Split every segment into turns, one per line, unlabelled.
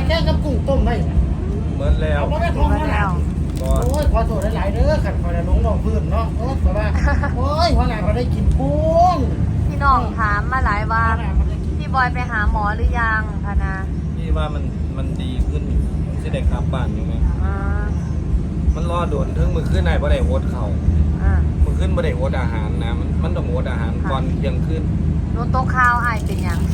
แค่กับกุ้งต้มได้
เหมือนแล้ว
เอาไม่ได้ท้องแล้ว
ก็
โอ้ยขอโทษหลายๆเด้อขันคอยลงน้องพื้นเนาะโอ้ยแต่ว่าโอ้ยหัวหน้าก็ได้กินกุ้ง
พี่น้องถามมาหลายว่าพี่บอยไปหาหมอหรือยังพะนะ
พี่ว่ามันดีขึ้นสิได้กลับบ้านอยู่ไง
อ่า
มันรอโดนถึงมือขึ้นไหนบ่ได้โอดเข่า
อ่า
มือขึ้นบ่ได้โอดอาหารนะมันต้องโอดอาหารก่อนเที่ยงคืน
หนูโต๊ะข้าวไอายเป็นหยัง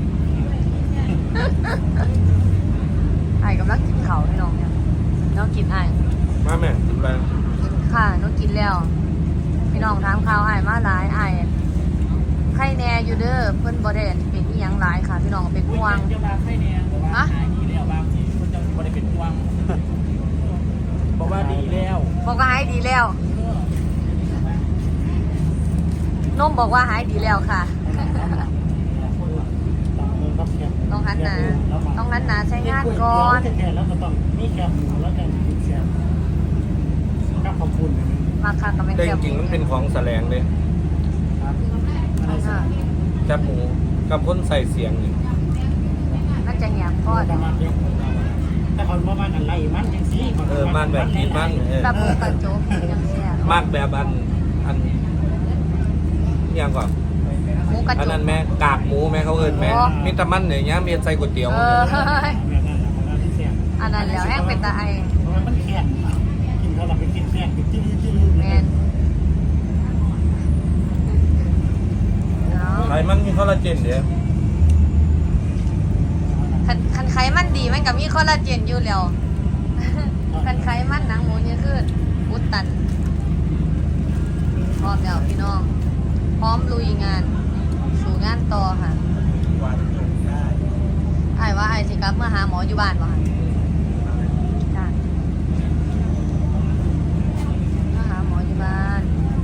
ไอายกำลังกินเขาวพี่น้องเนี่ยน้องกินไอาย
มาแม่กินไป
ค่ะน้องกินแล้ว พี่น้องถามข่าวไอายมาหลายไอายไข่แน่อยู่เด้อเพิ่นบ่ได้เป็นอีหยังหลายค่ะ พี่น้องเป็นห่วง
จะมาให้เนี่ยฮะดีแล้วบางทีมันจะไม่ได้เป็นห่วงบอกว่าดีแล้ว
บอกว่าหายดีแล้วนมบอกว่าหายดีแล้วค่ะ ต้องหันหนาต้องหันหนาใช้งานก่อน
แล้วก็ต้องมีแคบหมูแล้วกันแคบก็ขอบคุณ
มาค่ะกับแม่
แต่
แก้
จ
ว
ริงๆมันเป็นของแสลงเลย
ค่ะ
แคบหมูกับคนใส่เสียงนี่
น่าจะแหบก้อน
แต่คนประมาณอะไรมันยังซี่
บ้านแบบกินบ้าน
แบบหมูกระโจกยังเสีย
มากแบบอันเนี่ยก่อน
หมูกระ
อัน
โจ
นั้
ก
นแม่กากหมูแม่เขาเอิ้นแม่มีแต่มันเนี่ยมีใส่ก๋วยเตี๋ยว
อันนั้นแล้วแห้งเป็นตาไอ
มันแข็งกินเขาเราไปกินแข็งกินจิ้มจิ้ม
แมนเนาะ
ไขมันมีคอลลาเจนเด้อ
คันไขมันดีมันก็มีคอลลาเจนอยู่แล้ว คันไขมันหนังหมูเนี่ยคืออุดตันพร้อมแล้วพี่น้อง พร้อมลุยงาน สู่งานต่อค่ะไอ้ายว่าไอ้ายสิกลับเมื่อหาหมออยู่บ้านบ่ค่ะจ้ะมาหาหมออยู่บ้าน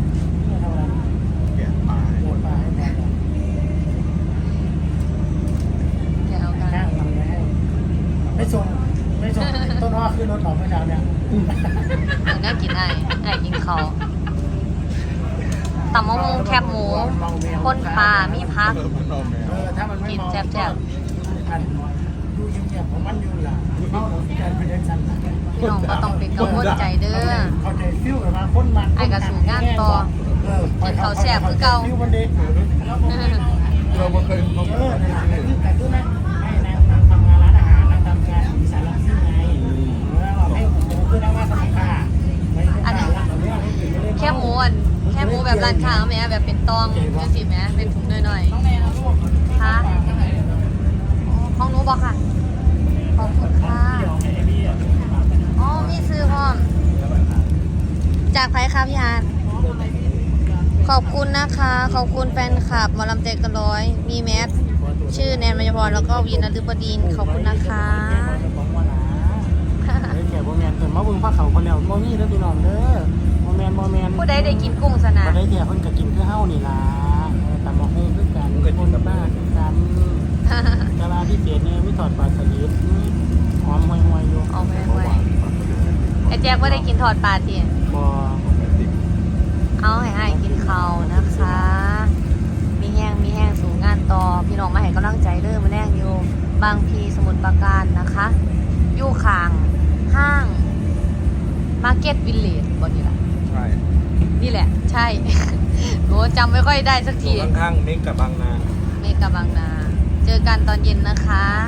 แกเอากัน
ไม่ส่งต้นว่าขึ้นรถของเมื่อเช้าเนี่ย
เดี๋ยวน่ากินไอ้กินเขาวตำมะม่วงแคบหมูข้นปลามีพัก
ถ้ามันไม่ดูเงียบๆของมันอยู่ล่ะเข้าหลงใจเป็นยังสั่น
พี่น้องก็ต้องเป็นกังวลใจเด้อ
เขาใจฟิวกับมาคนมัน
ไอ้กระสูงงานต่อกินเขาวแซ่บคือเก่า
ฟิวมันเด็กเราเคยเขาแต่ตู้นะให้นางทำงานร้านอาหารนางทำงานสารพัดไงให้คือนั่งว่าทำค่า
อันนี้แคบหมูอันแคบหมูแบบร้านค้าแม่แบบเป็นตองจังซี่แม่เป็นถุงหน่อยๆค่ะของหนูบอกค่ะขอบคุณค่ะอ๋อมีซื้อพร้อมจากไผคะพี่ฮานขอบคุณนะคะ ขอบคุณแฟนคลับหมอลำเตกันร้อยมีแมสชื่อแนนมัยพรแล้วก็วีนฤบดินขอบคุณนะคะ
แก่โมแมนเกิดมาบึงพระเขาคนแล้วโมมี่เด้อพี่น้องเด้อโมแมน
ผู้ใดได้กินกุ้งสนะ
บ่ได้แก่เพิ่นก็กินคือเฮานี่ล่ะตำบักหุ่งคือกันคนบ้าคือกันกะลาพิเศษเนี่ยมีทอดปลาสลิดหอมห่วยๆอยู่
เอาไว้ไอ้แจ๊กว่าได้กินทอดปลาที
บ่
เอาให้กินข้าวนะคะ มีแห้งสู่งานต่อพี่น้องมาให้กำลังใจเด้อมาแรงอยู่บางพีสมุทรปราการนะคะอยู่ข้างห้างมาร์เก็ตวิลเลจบนนี้แหละ
ใช่
นี่แหละ ใช่ โหจำไม่ค่อยได้สักที
ข้างๆเมกกับบางนา
เมกะบางนา เจอกันตอนเย็นนะคะ